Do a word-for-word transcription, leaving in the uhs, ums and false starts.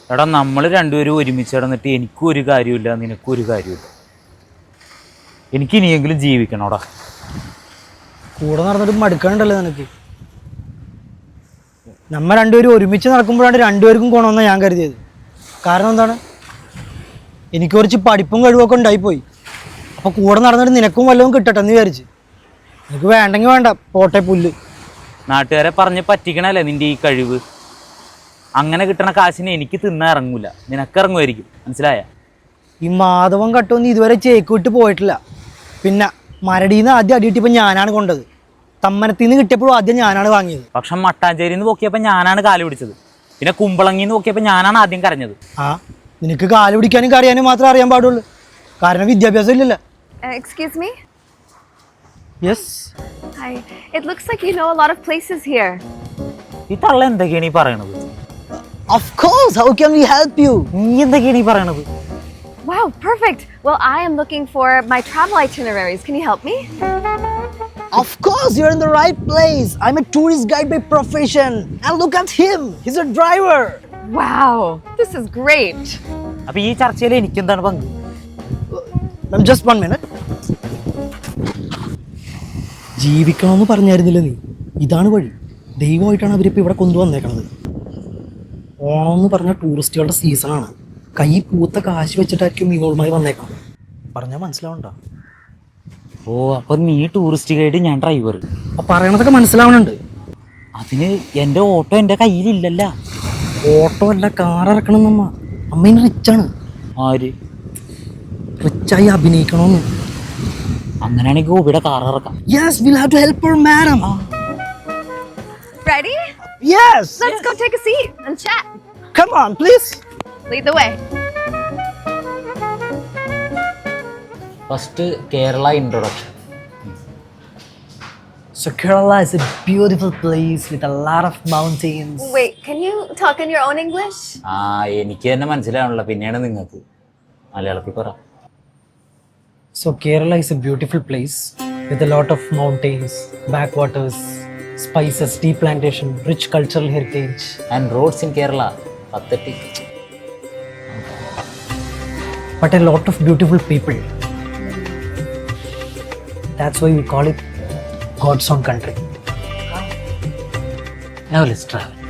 എടാ നമ്മൾ രണ്ടുപേരും ഒരുമിച്ച് കിടന്നിട്ട് എനിക്കും ഒരു കാര്യമില്ല, നിനക്കും ഒരു കാര്യമില്ല. എനിക്ക് ഇനിയെങ്കിലും ജീവിക്കണോടാ. കൂടെ നടന്നിട്ട് മടുക്കണ്ടല്ലോ നിനക്ക്. നമ്മ രണ്ടുപേരും ഒരുമിച്ച് നടക്കുമ്പോഴാണ് രണ്ടുപേർക്കും ഗുണമെന്നാണ് ഞാൻ കരുതിയത്. കാരണം എന്താണ്, എനിക്ക് കുറച്ച് പഠിപ്പും കഴിവൊക്കെ ഉണ്ടായിപ്പോയി. അപ്പോൾ കൂടെ നടന്നിട്ട് നിനക്കും വല്ലതും കിട്ടട്ടെ എന്ന് വിചാരിച്ച്. നിനക്ക് വേണ്ടെങ്കിൽ വേണ്ട, പോട്ടെ പുല്ല്. നാട്ടുകാരെ പറഞ്ഞ് പറ്റിക്കണല്ലേ നിൻ്റെ ഈ കഴിവ്. അങ്ങനെ കിട്ടണ കാശിന് എനിക്ക് തിന്നാൻ ഇറങ്ങൂല, നിനക്കിറങ്ങുമായിരിക്കും. മനസ്സിലായ? ഈ മാധവൻ കട്ടൊന്നും ഇതുവരെ ചേക്ക് വിട്ട് പോയിട്ടില്ല. പിന്നെ മരടിയിൽ നിന്ന് ആദ്യം അടി കിട്ടിയപ്പോൾ ഞാനാണ് കൊണ്ടത്. തമ്മനത്തിൽ നിന്ന് കിട്ടിയപ്പോഴും ആദ്യം ഞാനാണ് വാങ്ങിയത്. പക്ഷെ മട്ടാഞ്ചേരിയിൽ നിന്ന് പോക്കിയപ്പോൾ ഞാനാണ് കാല് പിടിച്ചത്. പിന്നെ കുമ്പളങ്ങിന്ന് നോക്കിയപ്പോൾ ഞാനാണ് ആദ്യം കരഞ്ഞത്. ആ, നിനക്ക് കാല് പിടിക്കാനും കറിയാനും മാത്രമേ അറിയാൻ പാടുള്ളൂ. കാരണം വിദ്യാഭ്യാസം ഇല്ലല്ലോ. Excuse me? Yes. Hi. It looks like you know a lot of places here. ഈ തള്ള എന്തൊക്കെയാണ് ഈ പറയണത്? Of course. How can we help you? നീ എന്തൊക്കെയാണ് ഈ പറയണത്? Wow, perfect. Well, I am looking for my travel itineraries. Can you help me? Of course, you're in the right place. I'm a tourist guide by profession. And look at him. He's a driver. Wow, this is great. അപ്പൊ ഈ ചർച്ചയിൽ എനിക്കെന്താണ് പങ്ക്? Ma'am, just one minute. ജീവിക്കണമെന്ന് പറഞ്ഞായിരുന്നില്ല നീ? ഇതാണ് വഴി. ദൈവമായിട്ടാണ് അവരിപ്പോൾ ഇവിടെ കൊണ്ടുവന്നേക്കണത്. ഓണം എന്ന് പറഞ്ഞ ടൂറിസ്റ്റുകളുടെ സീസണാണ്. കൈ പൂത്ത കാശ് വെച്ചിട്ടായിരിക്കും ഇവളുമായി വന്നേക്കാം. പറഞ്ഞാൽ മനസ്സിലാവണ്ട? ഓ, അപ്പൊ നീ ടൂറിസ്റ്റ് ഗൈഡ്, ഞാൻ ഡ്രൈവർ. അപ്പൊ പറയണതൊക്കെ മനസ്സിലാവണുണ്ട്. അതിന് എൻ്റെ ഓട്ടോ എൻ്റെ കയ്യിലില്ലല്ല. ഓട്ടോ അല്ല, കാർ ഇറക്കണം നമ്മ. അമ്മേന് റിച്ചാണ്. ആര്? റിച്ചായി അഭിനയിക്കണമെന്ന്. അങ്ങനെയാണെങ്കിൽ ഗോപിയുടെ കാർ ഇറക്കാം. Yes, we'll have to help her, madam. Ready? Yes. Let's go take a seat and chat. Come on, please. Lead the way. First Kerala introduction. So Kerala is a beautiful place with a lot of mountains. Wait, can you talk in your own English? ആ, എനിക്ക് തന്നെ മനസ്സിലാവണല്ലോ, പിന്നെയാണ് നിങ്ങൾക്ക്. മലയാളത്തിൽ പറ. So Kerala is a beautiful place with a lot of mountains, backwaters, spices, tea plantation, rich cultural heritage. And roads in Kerala pathetic. But a lot of beautiful people. That's why we call it God's own country. Now let's travel.